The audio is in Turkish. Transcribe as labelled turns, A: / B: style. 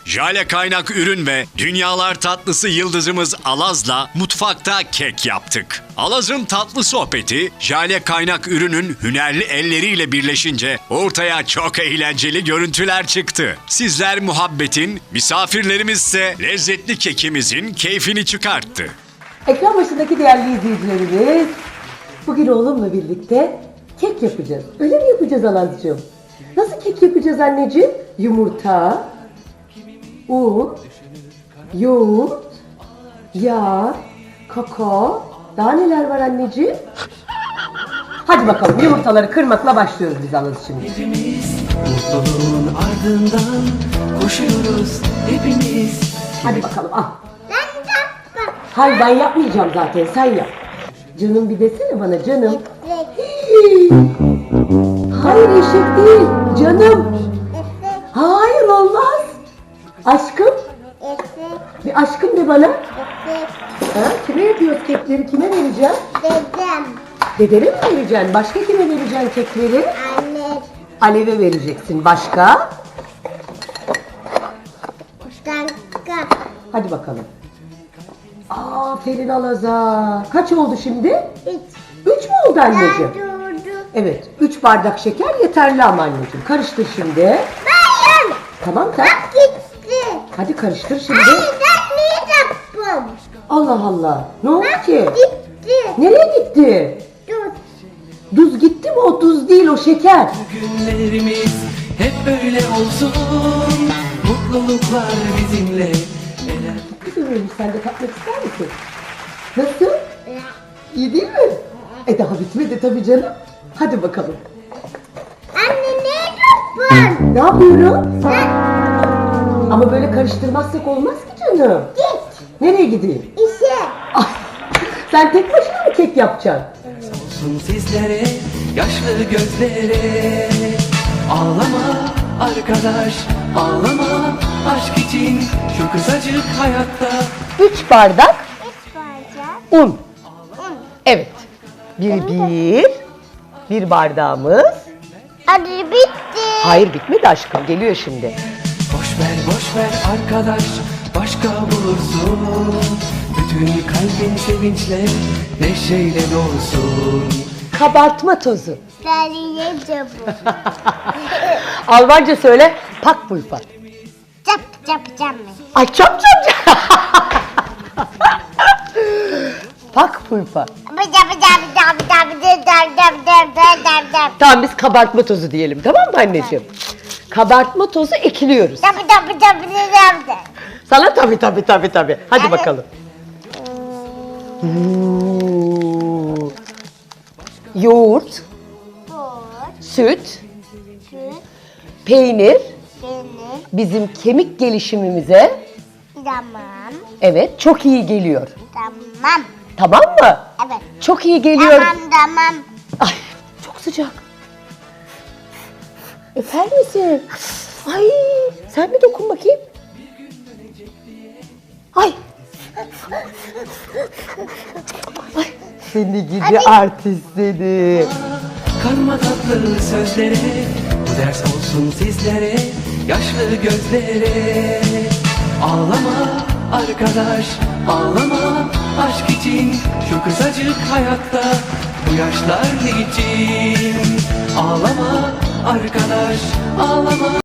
A: Jale kaynak ürün ve dünyalar tatlısı yıldızımız Alaz'la mutfakta kek yaptık. Alaz'ın tatlı sohbeti, Jale kaynak ürünün hünerli elleriyle birleşince ortaya çok eğlenceli görüntüler çıktı. Sizler muhabbetin, misafirlerimizse lezzetli kekimizin keyfini çıkarttı.
B: Ekran başındaki değerli izleyicilerimiz, bugün oğlumla birlikte kek yapacağız. Öyle mi yapacağız Alazcığım? Nasıl kek yapacağız anneciğim? Yumurta, un, yoğurt, yağ, kakao, daha neler var anneciğim? Hadi bakalım yumurtaları kırmakla başlıyoruz biz Alaz şimdi.
C: Hepimiz mutluluğun ardından koşuyoruz hepimiz.
B: Hadi bakalım al. Hayır ben yapmayacağım zaten sen yap. Canım bir desene bana canım. Hayır eşek değil canım. Hayır olmaz. Aşkım. Bir aşkım de bana. Ha, kime yapıyoruz kekleri? Kime vereceğim?
D: Dedem.
B: Dedene mi vereceksin? Başka kime vereceksin kekleri?
D: Anne.
B: Alev'e vereceksin. Başka?
D: Kanka.
B: Hadi bakalım. Aferin Alaz'a. Kaç oldu şimdi?
D: Üç.
B: 3 mü oldu anneciğim?
D: Durdu.
B: Evet. 3 bardak şeker yeterli ama anneciğim. Karıştır şimdi.
D: Bayım.
B: Tamam tamam.
D: Gitti.
B: Hadi karıştır şimdi.
D: Anne ben ne yaptım?
B: Allah Allah. Ne oldu ki?
D: Gitti.
B: Nereye gitti?
D: Dur.
B: Tuz gitti mi? O tuz değil, o şeker.
C: Günlerimiz hep böyle olsun. Mutluluklar bizimle. Neler
B: Güzel olmuş. Sen de tatmak ister misin? Nasıl? İyi değil mi? Daha bitmedi tabii canım. Hadi bakalım.
D: Anne ne yaptın?
B: Ne yapıyorum? Ama böyle karıştırmazsak olmaz ki canım.
D: Git.
B: Nereye gideyim?
D: İşe.
B: Ah, sen tek başına mı kek yapacaksın?
C: olsun sizlere, yaşlı gözlere. Ağlama arkadaş, ağlama aşk için şu kısacık hayatta.
B: 3 bardak
D: Üç parça.
B: un.
D: Un.
B: Evet. Bir bardağımız.
D: Hadi bitti.
B: Hayır bitmedi aşkım. Geliyor şimdi.
C: Boş ver arkadaş, başka bulursun. Bütün kalbin sevinçle, neşeyle dolsun.
B: Kabartma tozu.
D: Söyleyeceğim bu.
B: Almanca söyle. Backpulver.
D: Yapacağım mı?
B: Ay çap çap çap. Backpulver. Tamam biz kabartma tozu diyelim, tamam mı anneciğim? Kabartma tozu ekliyoruz. Sana tabii. Hadi
D: Evet.
B: bakalım. Yoğurt, süt, peynir bizim kemik gelişimimize evet çok iyi geliyor.
D: Tamam.
B: Tamam mı?
D: Evet.
B: Çok iyi geliyor.
D: Tamam.
B: Ay çok sıcak. Öper misin? Ay sen bir dokun bakayım. Ay. Ay seni gidi artist seni.
C: Karma tatlı sözlere, bu ders olsun sizlere, yaşlı gözlere. Ağlama arkadaş, ağlama aşk için şu kısacık hayatta, bu yaşlar için. Ağlama arkadaş, ağlama.